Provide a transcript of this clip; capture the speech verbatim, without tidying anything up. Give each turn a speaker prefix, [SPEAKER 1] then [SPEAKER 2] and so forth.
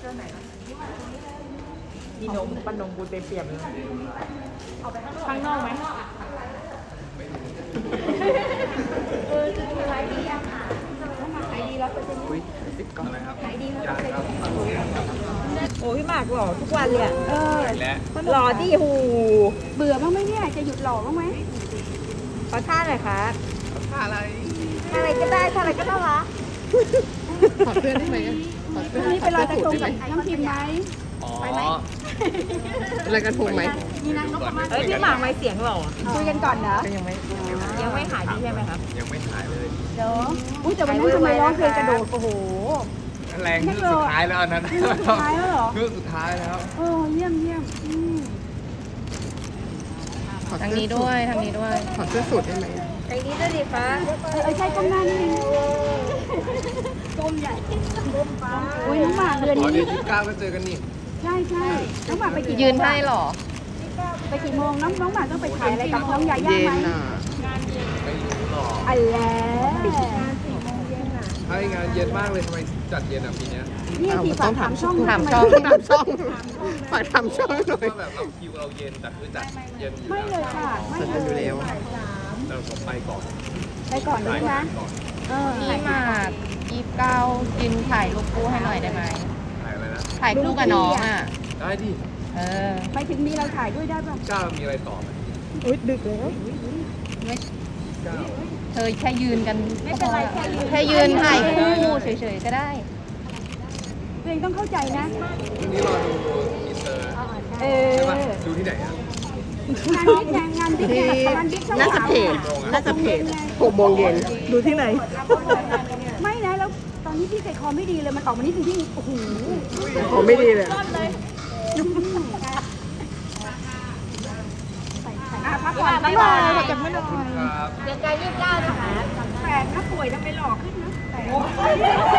[SPEAKER 1] มีนมปั้นนมบูเต็มเปี่ยมเลยข้างนอกไหมเออจะมีอะไรดีอะค่ะต้องมาขายดีแล้วก็จะมีขายดีแล้วก็จะโอ้พี่หมากหล่อทุกวันเลยอะเออหล่อที่หูเบื่อบ้างไหมเนี่ยจะหยุดหล่อบ้างไหมขอท่าหน่อยค่ะท่าอะไรท่าอะไรก็ได้ท่าอะไรก็ได้ละ
[SPEAKER 2] ขอเสื้อได้ไหมขอเสื้อ
[SPEAKER 1] นี่ไปลอยกระทงกับน้ำพิมพ์ไหมไปไหม
[SPEAKER 2] อะไรกระทงไหม
[SPEAKER 1] มีนางนพมาศเอ้ยพี่หมากไม่เสียงหล่อคุยกันก่อนนะ
[SPEAKER 2] ยังไม่
[SPEAKER 1] ยังไม่ขายดีใช่ไหมครับ
[SPEAKER 3] ยังไม่ขายเลย
[SPEAKER 1] เดี๋ยวอุ้ยแต่วันนั้นทำไมร้องเพลงกระโดดโอ้โห
[SPEAKER 3] แรงที่สุดท้ายแล้วอันนั้น
[SPEAKER 1] สุดท้ายแล้วเหรอ
[SPEAKER 3] คือสุดท้ายแล้ว
[SPEAKER 1] เออเยี่ยมเยี่ยมอืม
[SPEAKER 2] ทางนี้ด้วยทางนี้ด้วยขอเสื้อสูทได้ไหม
[SPEAKER 1] ใจนี้ด้วยดิฟ้าเออใช่ก้มหน้านี่ก้มใหญ่ก้มฟ้าอุ้ยน้องหมากเดือน
[SPEAKER 3] อ๋อ
[SPEAKER 1] นี้
[SPEAKER 3] เดี๋ยวยี่สิบเก้าก็เจอกันนี่
[SPEAKER 1] ใช่ใช่น้องหมากไปกี่
[SPEAKER 2] ยืนให้หรอ
[SPEAKER 1] ไปกี่โมงน้องน้องหมากต้องไปถ่ายอะไรกับน้องยาย่า
[SPEAKER 2] เย็น
[SPEAKER 1] ไหม
[SPEAKER 2] อ่ะ
[SPEAKER 3] ไม่รู้หรอก
[SPEAKER 1] อันแล้ว
[SPEAKER 3] ถ้างานเย็นมากเลยทำไมจัดเย็นอ่ะปีเนี้ย
[SPEAKER 1] นี่สี่ฝากถามช่อง
[SPEAKER 2] ถามช่องถามช่องฝากถามช่องหน่อย
[SPEAKER 3] ว่าแบบเราคิวเราเย็นแต่คือจัดเย็นอยู่
[SPEAKER 1] ไม่เลยค่ะไม่
[SPEAKER 2] จัด
[SPEAKER 1] เล
[SPEAKER 2] อยู่
[SPEAKER 1] ย
[SPEAKER 2] แล้ว
[SPEAKER 3] เราผมไปก่อน
[SPEAKER 1] ไปก่อนเลยนะเออ
[SPEAKER 2] พี่หมากยี่สิบเก้ากินถ่ายรูปคู่ให้หน่อยได้ไหม
[SPEAKER 3] ถ่ายอะไรนะ
[SPEAKER 2] ถ่ายคู่กับน้องอ่ะ
[SPEAKER 3] ได้ดิ
[SPEAKER 2] เออ
[SPEAKER 1] ไปถึงมีเราถ่ายด้วยได้ป่ะ
[SPEAKER 3] เก้ามีอะไรต่อไหม
[SPEAKER 1] อุ้ยดึกแล้ว
[SPEAKER 2] ไม่
[SPEAKER 3] เก้า
[SPEAKER 2] เธอแค่ยืนกัน
[SPEAKER 1] ไม่เป็นไรแค่ยืน
[SPEAKER 2] แค่ยืนถ่ายคู่เฉยๆก็ได้
[SPEAKER 1] ตัวเองต้องเข้าใจนะ
[SPEAKER 3] วันนี้รอดูอินเตอร์
[SPEAKER 1] เออ
[SPEAKER 3] ใช่ป่ะดูที่ไหนอ่ะ
[SPEAKER 1] งานบิ๊กไงงานบิ๊กไงงานบิ๊กช่อง
[SPEAKER 2] น่าจะ
[SPEAKER 1] สาม
[SPEAKER 2] เพจน่าจะเพจหกโมงเย็นดูที่ไหน
[SPEAKER 1] ไม่นะแล้วตอนนี้พี่ใจคอไม่ดีเลยมันออกมานี่ถึงที่โอ้โห
[SPEAKER 2] ผมไม่ดีเลย
[SPEAKER 1] รอดเลยอ่ะพักผ่อนพักผ่อนขอจับมือหน่อย
[SPEAKER 3] ครับ
[SPEAKER 1] เดือนกันยี่สิบเก้านะคะแปลกนะป่วยทำไมหล่อขึ้นนะแปลก